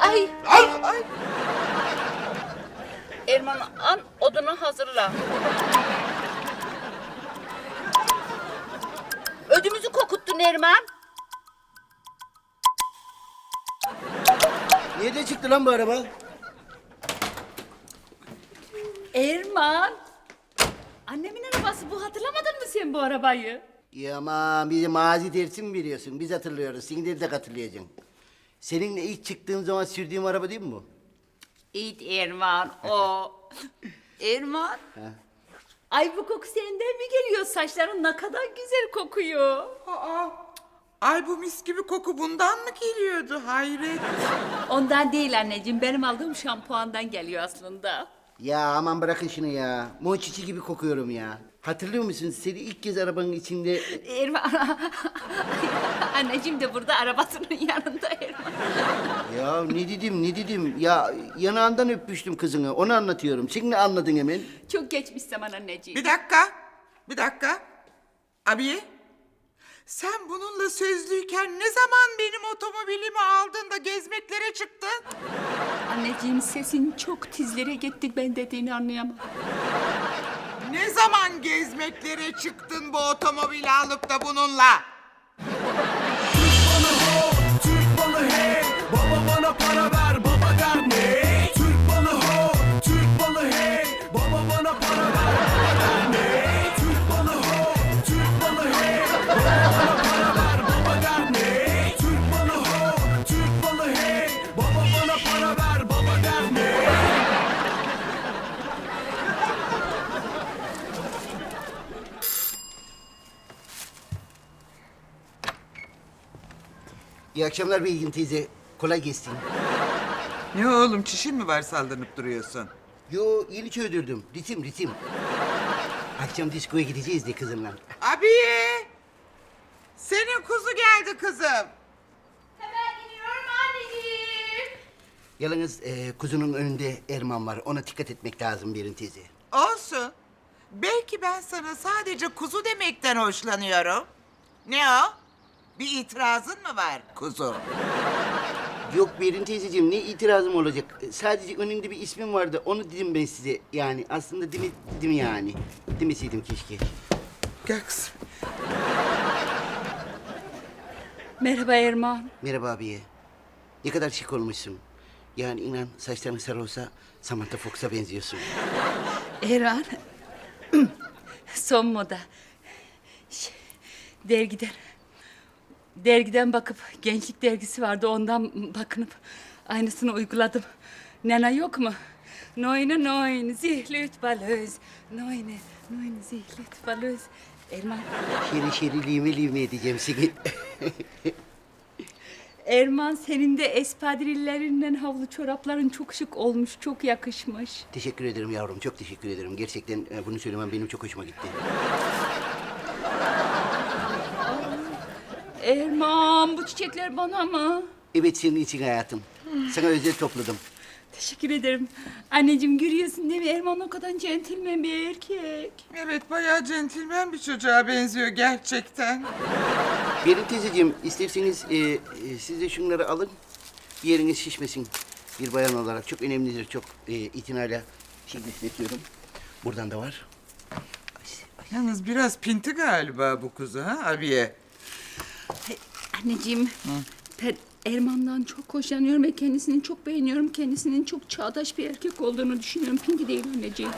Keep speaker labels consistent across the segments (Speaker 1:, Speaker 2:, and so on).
Speaker 1: Ay.
Speaker 2: Ay.
Speaker 1: Erman an odunu hazırla. Ödümüzü kokuttun Erman.
Speaker 3: Nerede çıktı lan bu araba?
Speaker 4: Erman. Annemin arabası bu, hatırlamadın mı sen bu arabayı?
Speaker 3: Ya aman bize mazi dersi mi veriyorsun? Biz hatırlıyoruz. Sen de hatırlayacaksın. Seninle ilk çıktığım zaman sürdüğüm araba değil mi bu?
Speaker 4: İyi Erman o. Erman. Ay bu koku senden mi geliyor? Saçların ne kadar güzel kokuyor.
Speaker 2: Aa, ay bu mis gibi koku bundan mı geliyordu? Hayret.
Speaker 4: Ondan değil anneciğim, benim aldığım şampuandan geliyor aslında.
Speaker 3: Ya aman bırakın şunu ya. Monçiçi gibi kokuyorum ya. Hatırlıyor musun? Seni ilk kez arabanın içinde...
Speaker 4: Erman. Anneciğim de burada arabasının yanında Erman.
Speaker 3: Ya ne dedim? Ya yanağından öpmüştüm kızını. Onu anlatıyorum. Sen ne anladın hemen?
Speaker 4: Çok geçmiş zaman anneciğim.
Speaker 2: Bir dakika. Abiye, sen bununla sözlüyken ne zaman benim otomobilimi aldın da gezmeklere çıktın?
Speaker 4: Anneciğim sesin çok tizlere gitti, ben dediğini anlayamam.
Speaker 2: Ne zaman gezmeklere çıktın bu otomobili alıp da bununla?
Speaker 5: Türk balı hey, baba bana para ver, baba der ne? Türk balı ho, Türk balı hey, baba bana para ver, baba der ne? Türk balı ho, Türk balı hey, baba bana para ver, baba der ne? Türk balı ho, Türk balı hey, baba bana para ver, baba der ne?
Speaker 3: İyi akşamlar Bilgin teyze. Kolay gelsin.
Speaker 2: Ne oğlum, çişin mi var saldırıp duruyorsun?
Speaker 3: Yo yeni çöldürdüm. Ritim. Akşam diskoya gideceğiz de kızımla.
Speaker 2: Abiye! Senin kuzu geldi kızım.
Speaker 4: Hemen gidiyorum anneciğim.
Speaker 3: Yalnız kuzunun önünde Erman var. Ona dikkat etmek lazım Berin teyze.
Speaker 2: Olsun. Belki ben sana sadece kuzu demekten hoşlanıyorum. Ne o? Bir itirazın mı var kuzu?
Speaker 3: Yok Berin teyzeciğim ne itirazım olacak? Sadece önünde bir ismim vardı. Onu dedim ben size. Yani aslında dedim yani. Demeseydim keşke.
Speaker 2: Gel kızım.
Speaker 4: Merhaba Erman.
Speaker 3: Merhaba abiye. Ne kadar şık olmuşsun. Yani inan saçların sarı olsa Samantha Fox'a benziyorsun.
Speaker 4: Erman. Son moda. Dergiden bakıp, gençlik dergisi vardı, ondan bakınıp aynısını uyguladım. Nena yok mu? Neune neun, zihlüt balöz. Neune zihlüt balöz. Erman.
Speaker 3: Şeri lime edeceğim seni.
Speaker 4: Erman, senin de espadrillerinden havlu çorapların çok şık olmuş, çok yakışmış.
Speaker 3: Teşekkür ederim yavrum. Çok teşekkür ederim. Gerçekten bunu söylemem benim çok hoşuma gitti.
Speaker 4: Erman, bu çiçekler bana mı?
Speaker 3: Evet senin için hayatım. Sana özel topladım.
Speaker 4: Teşekkür ederim. Anneciğim görüyorsun değil mi? Erman o kadar centilmen bir erkek.
Speaker 2: Evet, bayağı centilmen bir çocuğa benziyor gerçekten.
Speaker 3: Berin teyzeciğim isterseniz siz de şunları alın. Bir yeriniz şişmesin. Bir bayan olarak çok önemlidir. Çok itinayla besletiyorum. Buradan da var.
Speaker 2: Yalnız biraz pinti galiba bu kuzu ha abiye?
Speaker 4: Anneciğim, ben Erman'dan çok hoşlanıyorum ve kendisini çok beğeniyorum. Kendisinin çok çağdaş bir erkek olduğunu düşünüyorum. Pinki değil anneciğim.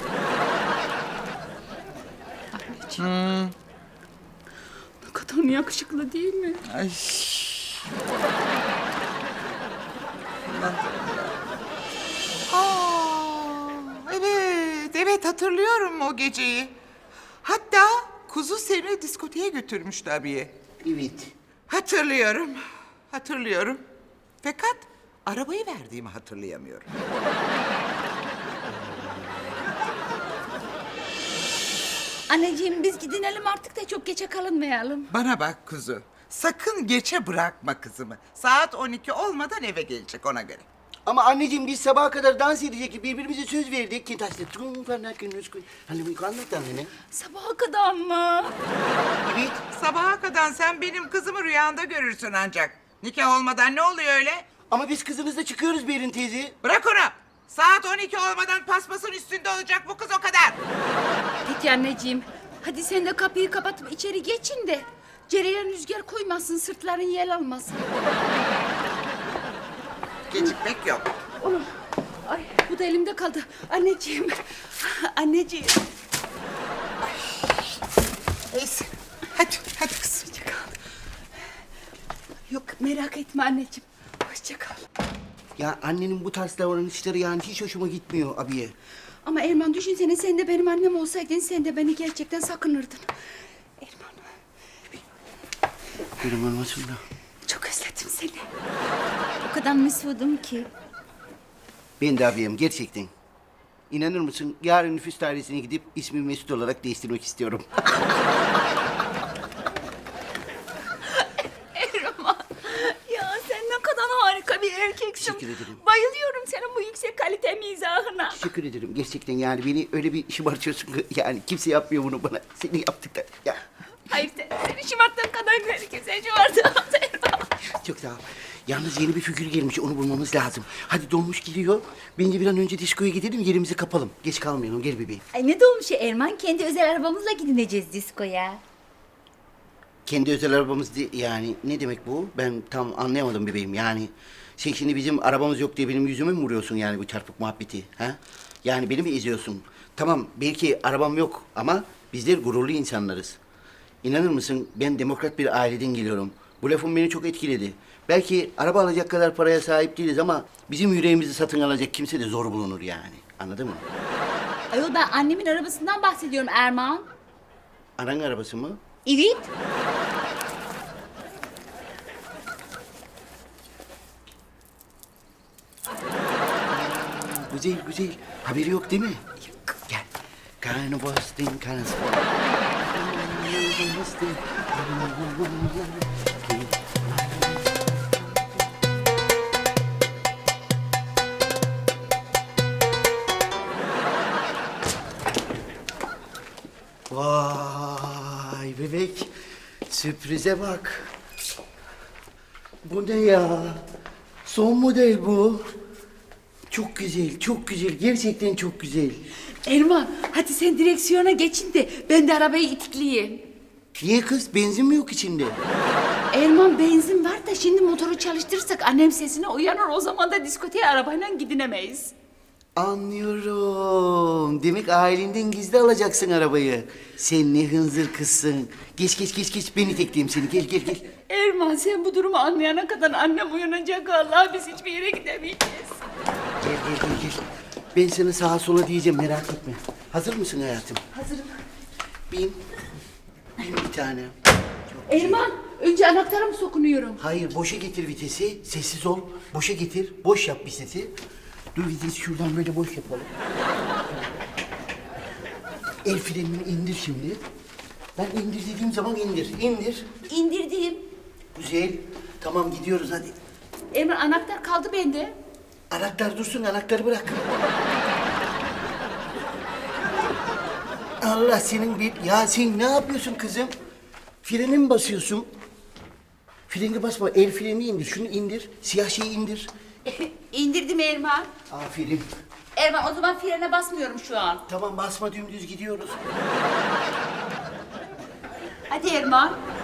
Speaker 4: Anneciğim. Ne kadar yakışıklı değil mi?
Speaker 2: Ay. Evet hatırlıyorum o geceyi. Hatta kuzu seni diskoteye götürmüştü abiye.
Speaker 3: Evet.
Speaker 2: Hatırlıyorum. Fakat arabayı verdiğimi hatırlayamıyorum.
Speaker 4: Anneciğim biz gidinelim artık da çok geçe kalınmayalım.
Speaker 2: Bana bak kuzu, sakın geçe bırakma kızımı. Saat 12 olmadan eve gelecek ona göre.
Speaker 3: Ama anneciğim biz sabaha kadar dans edecek birbirimize söz verdik. Kintaşlı tüm falan günümüz. Hani bu anlattan ne?
Speaker 4: Sabaha kadar mı?
Speaker 3: Evet.
Speaker 2: Sabaha kadar sen benim kızımı rüyanda görürsün ancak. Nikah olmadan ne oluyor öyle?
Speaker 3: Ama biz kızınızla çıkıyoruz Berin teyze.
Speaker 2: Bırak onu. Saat 12 olmadan paspasın üstünde olacak bu kız o kadar.
Speaker 4: Peki anneciğim. Hadi sen de kapıyı kapatıp içeri geçin de. Cereyan rüzgar koymasın, sırtların yel almasın.
Speaker 2: Gecikmek yok.
Speaker 4: Oğlum, ay bu da elimde kaldı. Anneciğim, anneciğim.
Speaker 2: Neyse. Hadi kız.
Speaker 4: Hoşça kal. Yok merak etme anneciğim. Hoşça kal.
Speaker 3: Ya annenin bu tarz davranışları yani hiç hoşuma gitmiyor abiye.
Speaker 4: Ama Erman düşünsene sen de benim annem olsaydın sen de beni gerçekten sakınırdın. Erman.
Speaker 3: Benim olmasın da.
Speaker 4: Çok özledim seni. O kadar mesudum ki.
Speaker 3: Ben de abiyim gerçekten. İnanır mısın? Yarın nüfus dairesine gidip ismimi Mesut olarak değiştirmek istiyorum.
Speaker 4: Erman. Ya sen ne kadar harika bir erkeksin.
Speaker 3: Teşekkür ederim.
Speaker 4: Bayılıyorum senin bu yüksek kalite mizahına.
Speaker 3: Teşekkür ederim. Gerçekten yani beni öyle bir şımartıyorsun ki yani kimse yapmıyor bunu bana. Seni yaptıktan. Ya
Speaker 4: Hayır seni şımarttığın kadar herkese şımarttım Erman.
Speaker 3: çok sağ ol. Yalnız yeni bir figür gelmiş. Onu bulmamız lazım. Hadi dolmuş geliyor. Bence bir an önce diskoya gidelim. Yerimizi kapalım. Geç kalmayalım. Gel bebeğim.
Speaker 6: Ay ne dolmuş ya Erman? Kendi özel arabamızla gidineceğiz diskoya.
Speaker 3: Kendi özel arabamız yani ne demek bu? Ben tam anlayamadım bebeğim. Yani sen şimdi bizim arabamız yok diye benim yüzüme mi vuruyorsun yani bu çarpık muhabbeti? Ha? Yani beni mi eziyorsun? Tamam belki arabam yok ama bizler gururlu insanlarız. İnanır mısın ben demokrat bir aileden geliyorum. Bu lafım beni çok etkiledi. Belki araba alacak kadar paraya sahip değiliz ama bizim yüreğimizi satın alacak kimse de zor bulunur yani. Anladın mı?
Speaker 6: Ayol ben annemin arabasından bahsediyorum Erman.
Speaker 3: Anan arabası mı?
Speaker 6: Evet.
Speaker 3: Güzel güzel. Haberi yok değil mi? Yok. Gel. Karnavastin karnavastin. Vay bebek. Sürprize bak. Bu ne ya? Son model bu. Çok güzel, çok güzel. Gerçekten çok güzel.
Speaker 4: Erman hadi sen direksiyona geçin de ben de arabayı itikleyeyim.
Speaker 3: Niye kız? Benzin mi yok içinde?
Speaker 4: Erman benzin var da şimdi motoru çalıştırırsak annem sesine uyanır. O zaman da diskoteye arabayla gidinemeyiz.
Speaker 3: Anlıyorum. Demek ailenden gizli alacaksın arabayı. Sen ne hınzır kızsın. Geç. Ben itekleyeyim seni. Gel.
Speaker 4: Erman sen bu durumu anlayana kadar annem uyanacak. Allah biz hiçbir yere gidemeyeceğiz.
Speaker 3: Gel. Ben sana sağa sola diyeceğim merak etme. Hazır mısın hayatım?
Speaker 4: Hazırım.
Speaker 3: Bin bir tane.
Speaker 4: Erman önce anahtara mı sokunuyorum?
Speaker 3: Hayır, boşa getir vitesi. Sessiz ol. Boşa getir. Boş yap vitesi. Dur vitesi şuradan böyle boş yapalım. El frenini indir şimdi. Ben indir dediğim zaman indir. İndir.
Speaker 6: İndirdim.
Speaker 3: Güzel. Tamam gidiyoruz hadi.
Speaker 4: Erman anahtar kaldı bende.
Speaker 3: Anahtar dursun, anahtarı bırak. Allah senin bir... Ya sen ne yapıyorsun kızım? Freni mi basıyorsun? Freni basma, el freni indir. Şunu indir, siyah şeyi indir.
Speaker 6: İndirdim Erman.
Speaker 3: Aferin.
Speaker 6: Erman o zaman frene basmıyorum şu an.
Speaker 3: Tamam basma dümdüz gidiyoruz.
Speaker 6: Hadi Erman.